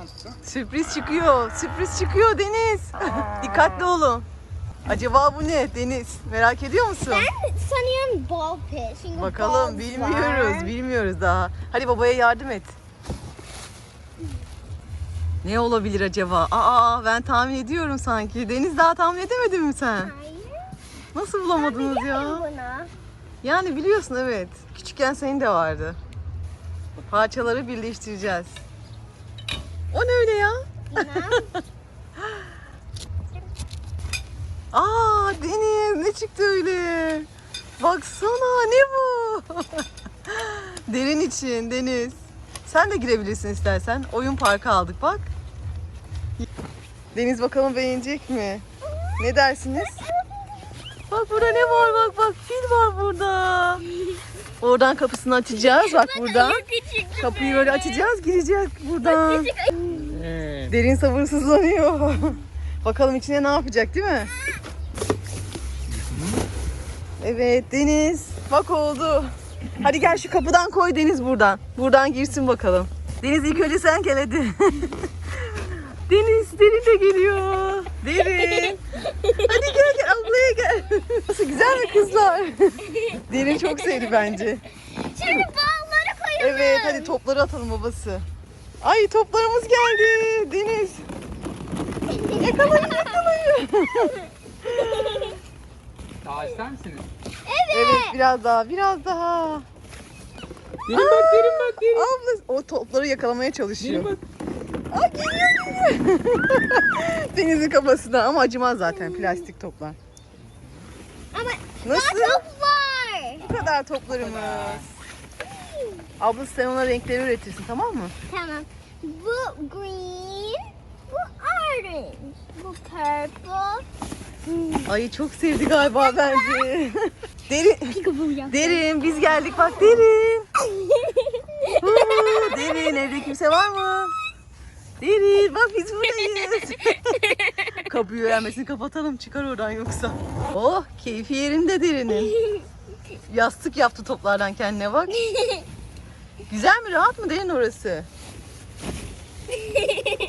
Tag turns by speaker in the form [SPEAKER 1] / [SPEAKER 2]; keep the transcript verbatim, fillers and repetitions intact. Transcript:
[SPEAKER 1] Sürpriz çıkıyor. Sürpriz çıkıyor Deniz. Dikkatli olun. Acaba bu ne Deniz? Merak ediyor musun?
[SPEAKER 2] Ben sanıyorum ball pit. Çünkü
[SPEAKER 1] Bakalım
[SPEAKER 2] balls
[SPEAKER 1] bilmiyoruz.
[SPEAKER 2] var.
[SPEAKER 1] Bilmiyoruz daha. Hadi babaya yardım et. Ne olabilir acaba? Aa ben tahmin ediyorum sanki. Deniz daha tahmin edemedin mi sen?
[SPEAKER 2] Hayır.
[SPEAKER 1] Nasıl bulamadınız
[SPEAKER 2] Biliyorum
[SPEAKER 1] ya?
[SPEAKER 2] bunu.
[SPEAKER 1] Yani biliyorsun evet. Küçükken senin de vardı. Parçaları birleştireceğiz. O ne öyle ya?
[SPEAKER 2] Bilmem.
[SPEAKER 1] Aa Deniz ne çıktı öyle? Baksana ne bu? Derin için Deniz. Sen de girebilirsin istersen. Oyun parkı aldık bak. Deniz bakalım beğenecek mi? Ne dersiniz? Bak burada ne var bak bak fil var burada. Oradan kapısını açacağız bak buradan. Kapıyı böyle açacağız gireceğiz buradan.
[SPEAKER 3] Evet.
[SPEAKER 1] Derin sabırsızlanıyor. Bakalım içine ne yapacak değil mi? Evet Deniz. Bak oldu. Hadi gel şu kapıdan koy Deniz buradan. Buradan girsin bakalım. Deniz ilk önce sen gel hadi. Deniz, Derin de geliyor. Derin. Hadi gel gel ablaya gel. Nasıl güzel mi kızlar? Derin çok sevdi bence.
[SPEAKER 2] Şimdi ballları koyalım.
[SPEAKER 1] Evet hadi topları atalım babası. Ay toplarımız geldi Deniz. Yakalayın yakalayın.
[SPEAKER 3] Daha ister misiniz?
[SPEAKER 1] Evet biraz daha biraz daha.
[SPEAKER 3] Derin bak, derin bak, derin.
[SPEAKER 1] Abla o topları yakalamaya
[SPEAKER 3] Derin
[SPEAKER 1] çalışıyor.
[SPEAKER 3] bak.
[SPEAKER 1] Aa geliyor geliyor. Denizin kafasına ama acımaz zaten plastik toplar.
[SPEAKER 2] Ama
[SPEAKER 1] Nasıl?
[SPEAKER 2] daha çok var.
[SPEAKER 1] Bu kadar toplarımız. Abla sen ona renkleri üretirsin tamam mı?
[SPEAKER 2] Tamam. Bu green, bu orange, bu purple.
[SPEAKER 1] Ay çok sevdi galiba bence. Derin.
[SPEAKER 2] Peekaboo yaptım.
[SPEAKER 1] Derin biz geldik bak Derin. Huu, Derin evde kimse var mı? Derin bak biz buradayız. Kapıyı öğrenmesini kapatalım çıkar oradan yoksa. Oh keyfi yerinde Derin'in. Yastık yaptı toplardan kendine bak. Güzel mi rahat mı Derin orası?